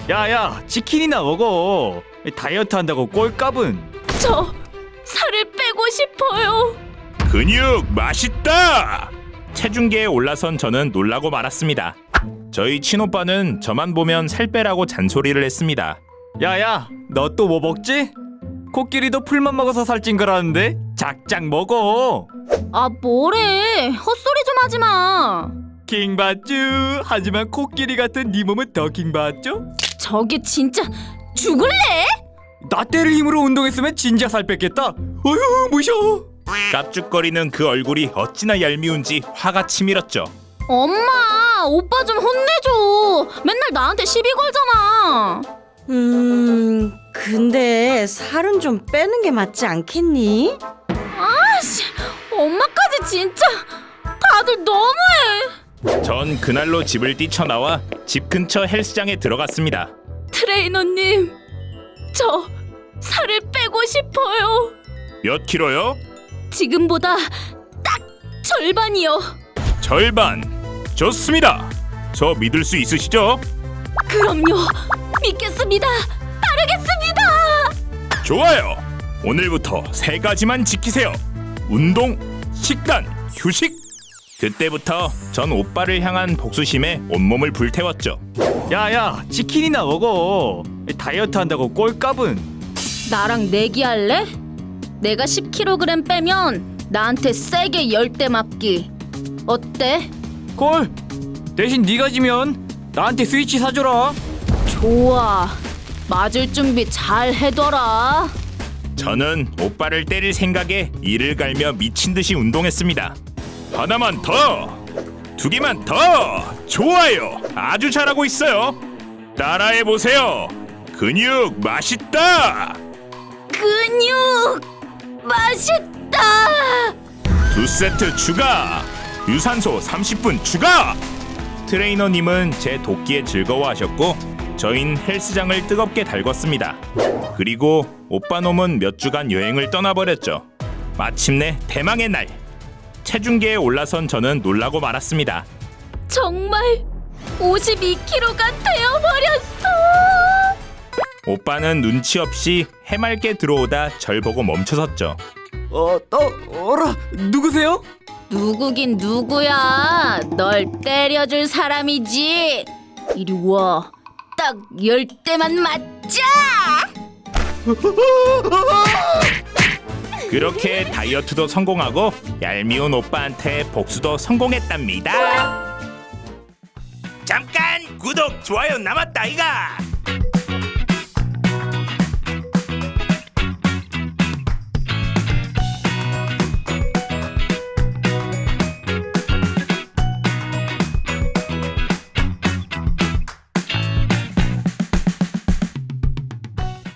야야, 치킨이나 먹어. 다이어트 한다고 꼴값은. 저 살을 빼고 싶어요. 근육 맛있다! 체중계에 올라선 저는 놀라고 말았습니다. 저희 친오빠는 저만 보면 살 빼라고 잔소리를 했습니다. 야야, 너 또 뭐 먹지? 코끼리도 풀만 먹어서 살찐 거라는데 작작 먹어. 아 뭐래, 헛소리 좀 하지 마. 킹받쥬. 하지만 코끼리 같은 네 몸은 더 킹받죠? 저게 진짜 죽을래? 나 때릴 힘으로 운동했으면 진짜 살 뺐겠다. 어휴, 무셔. 깝죽거리는 그 얼굴이 어찌나 얄미운지 화가 치밀었죠. 엄마, 오빠 좀 혼내줘. 맨날 나한테 시비 걸잖아. 근데 살은 좀 빼는 게 맞지 않겠니? 아씨, 엄마까지 진짜 다들 너무해. 전 그날로 집을 뛰쳐나와 집 근처 헬스장에 들어갔습니다. 트레이너님, 저 살을 빼고 싶어요. 몇 킬로요? 지금보다 딱 절반이요. 절반. 좋습니다. 저 믿을 수 있으시죠? 그럼요, 믿겠습니다. 따르겠습니다. 좋아요. 오늘부터 3가지만 지키세요. 운동, 식단, 휴식. 그때부터 전 오빠를 향한 복수심에 온몸을 불태웠죠. 야야, 치킨이나 먹어. 다이어트 한다고 꼴값은. 나랑 내기할래? 내가 10kg 빼면 나한테 세게 10대 맞기. 어때? 꼴. 대신 네가 지면 나한테 스위치 사줘라. 좋아. 맞을 준비 잘 해둬라. 저는 오빠를 때릴 생각에 이를 갈며 미친 듯이 운동했습니다. 하나만 더! 2개만 더! 좋아요! 아주 잘하고 있어요! 따라해보세요! 근육 맛있다! 근육 맛있다. 2세트 추가! 유산소 30분 추가! 트레이너님은 제 돕기에 즐거워하셨고 저흰 헬스장을 뜨겁게 달궜습니다. 그리고 오빠놈은 몇 주간 여행을 떠나버렸죠. 마침내 대망의 날! 체중계에 올라선 저는 놀라고 말았습니다. 정말 52kg가 되어버렸어. 오빠는 눈치 없이 해맑게 들어오다 절 보고 멈춰섰죠. 어라, 누구세요? 누구긴 누구야. 널 때려줄 사람이지. 이리 와. 딱 10대만 맞자. 그렇게 다이어트도 성공하고 얄미운 오빠한테 복수도 성공했답니다. 잠깐 구독 좋아요 남았다 이가.